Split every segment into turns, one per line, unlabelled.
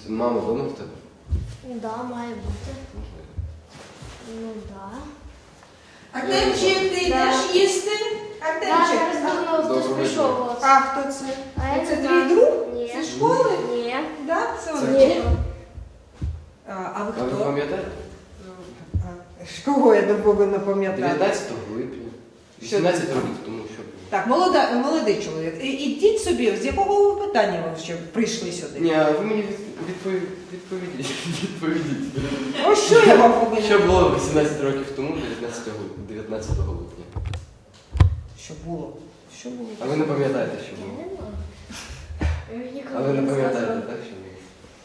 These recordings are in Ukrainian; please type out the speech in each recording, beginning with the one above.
Мама вдома в тебе?
Да, має бути. Ну, да.
Артемчик, ти йдеш їсти?
Да,
Артемчик.
зараз давно хтось
Доброго
прийшов.
дня.
от.
А хто це?
А я
Це
не
твій
знаю.
друг?
Ні.
Зі школи?
Ні.
Да? Це
Це
Олег.
Ні.
А ви
А ви
хто?
пам'ятаєте?
Кого я не повинна пам'ятати?
19 липня. 18 років тому, що було.
Так, молодий чоловік. Ідіть собі, з якого ви питання ви ще прийшли сюди?
Ні, а ви мені відповідіть.
Про що я вам повинна?
Що було 18 років тому, 19 липня?
Що було? Що було?
А ви не пам'ятаєте, що
Я
було?
не знаю. Я ніколи
А ви не пам'ятаєте,
сказала.
так, що було?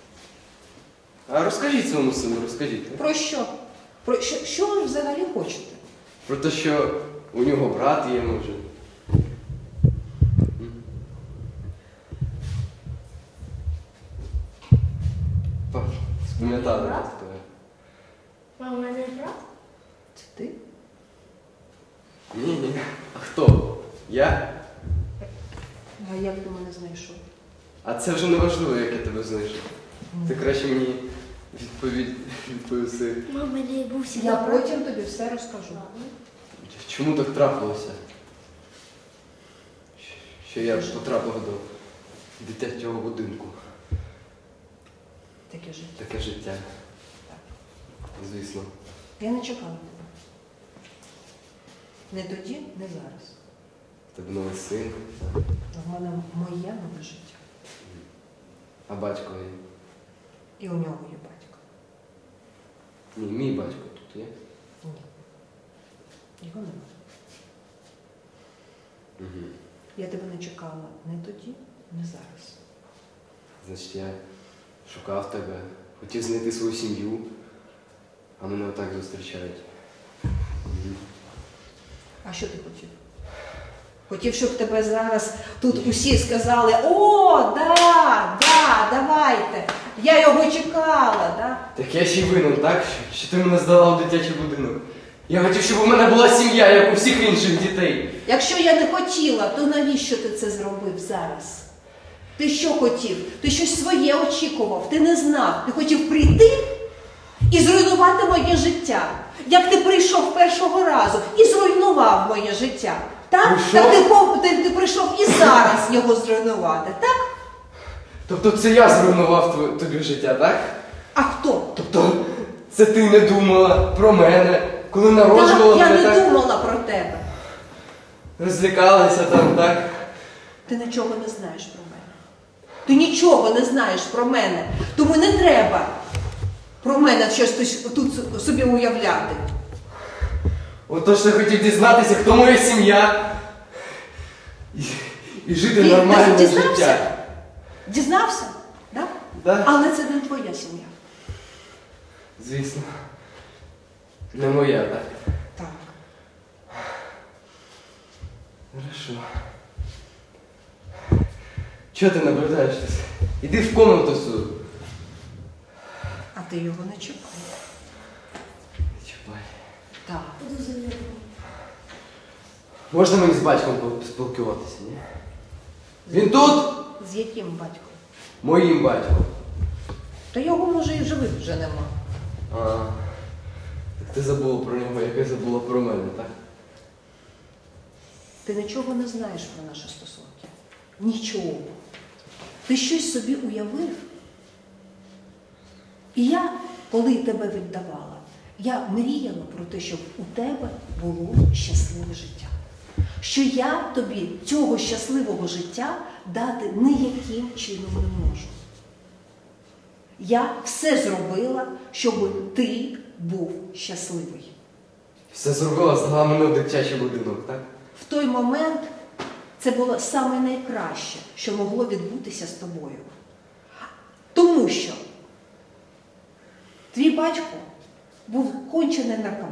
А розкажіть своєму сину, розкажіть.
Про що? Про що ви взагалі хочете?
Про те, що у нього брат є, може. Паш, спам'ятали
Брат?
хто я?
А у мене брат?
Це ти?
Ні. А хто? Я?
А як ти мене знайшов?
А це вже не важливо, як я тебе знайшов. Ти краще мені відповіси.
Мама, мене був всі
Я потім тобі все розкажу.
Чому так трапилося? Що я потрапив до дитячого будинку.
Таке життя.
Таке життя. Звісно.
Я не чекала тебе. Не тоді, не зараз.
В тебе новий син.
В мене моє нове життя.
А батько є?
І у нього є батько.
Ні, мій батько тут є.
Ні. Його немає.
Угу.
Я тебе не чекала не тоді, не зараз.
Значить, я шукав тебе, хотів знайти свою сім'ю, а мене отак зустрічають. Угу.
А що ти хотів? Хотів, щоб тебе зараз тут усі сказали: о, да, давайте. Я його чекала, да?
Так я ще й винен, так? Що ти мене здала в дитячий будинок. Я хотів, щоб у мене була сім'я, як у всіх інших дітей.
Якщо я не хотіла, то навіщо ти це зробив зараз? Ти що хотів? Ти щось своє очікував, ти не знав. Ти хотів прийти і зруйнувати моє життя. Як ти прийшов першого разу і зруйнував моє життя. Так?
Прийшов?
Так ти прийшов і зараз його зруйнувати, так?
Тобто це я зруйнував тобі життя, так?
А хто?
Тобто це ти не думала про мене, коли народжувала
Я
мене,
не
так?
думала про тебе.
Розлякалася там, так?
Ти нічого не знаєш про мене. Ти нічого не знаєш про мене. Тому не треба про мене щось тут собі уявляти.
Отож я хотів дізнатися, хто моя сім'я. І жити
Ти
нормальне
дізнався?
життя.
Дізнався? Да?
Да?
Але це не твоя сім'я.
Звісно. Не моя, так?
Так.
Хорошо. Чого ти наблюдаєш тут? Іди в комнату свою.
А ти його не чіпай.
Не чіпай.
Так.
Буду за нього.
Можна мені з батьком поспілкуватися, ні? Він тут?
З яким батьком?
Моїм батьком.
Та його, може, і живих вже нема.
А, так ти забула про нього, як я забула про мене, так?
Ти нічого не знаєш про наші стосунки. Нічого. Ти щось собі уявив. І я, коли тебе віддавала, я мріяла про те, щоб у тебе було щасливе життя. Що я тобі цього щасливого життя дати ніяким чином не можу. Я все зробила, щоб ти був щасливий.
Все зробила, здала мене в дитячий будинок, так?
В той момент це було саме найкраще, що могло відбутися з тобою. Тому що твій батько був кончений наркоман.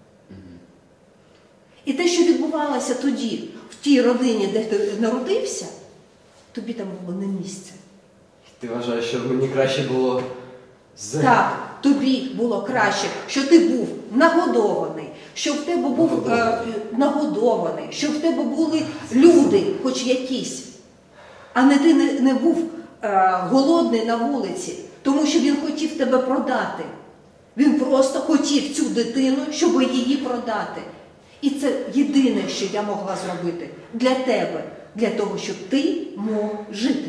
І те, що відбувалося тоді, в тій родині, де ти народився, тобі там було не місце.
Ти вважаєш, що мені краще було з...
Так, тобі було краще, що ти був нагодований, що в тебе був нагодований, що в тебе були люди, хоч якісь, а не ти не був голодний на вулиці, Тому що він хотів тебе продати. Він просто хотів цю дитину, щоб її продати. І це єдине, що я могла зробити для тебе, для того, щоб ти мог жити.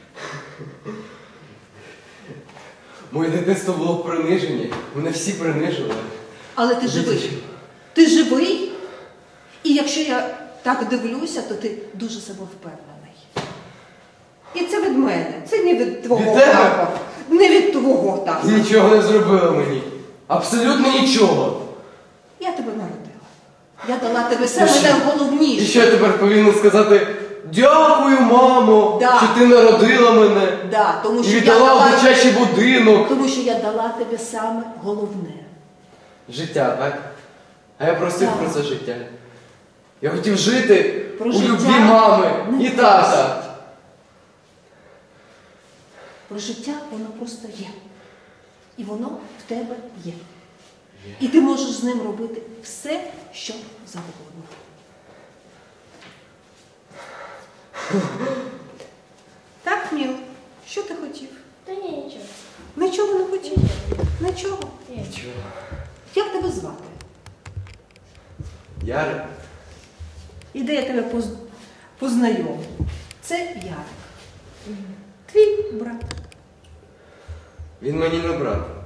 Моє дитинство було в приниженні. Мене всі принижили.
Але ти живий. Ти живий. І якщо я так дивлюся, то ти дуже себе впевнений. І це від мене. Це не від твого
Від тебе?
тата. Не від твого тата.
Ти нічого не зробила мені. Абсолютно нічого.
Я тебе народила. Я дала тебе саме найголовніше.
І що я тепер повинен сказати? Дякую, мамо,
Да.
що ти народила мене.
Да, тому
І
що
віддала в дитячий будинок.
Тому що я дала тобі саме головне.
Життя, так? А я просив
Так.
про це життя. Я хотів жити
Про
у
життя
любві мами
не
і тата.
Про життя воно просто є. І воно в тебе є. І ти можеш з ним робити все, що завгодно. Так, Міл, що ти хотів?
Та ні, нічого.
Нічого не хотів? Нічого.
Ні.
Чого?
Як тебе звати?
Ярик?
І де я тебе познайомлю? Це Ярик. Твій брат.
Він мені не брат.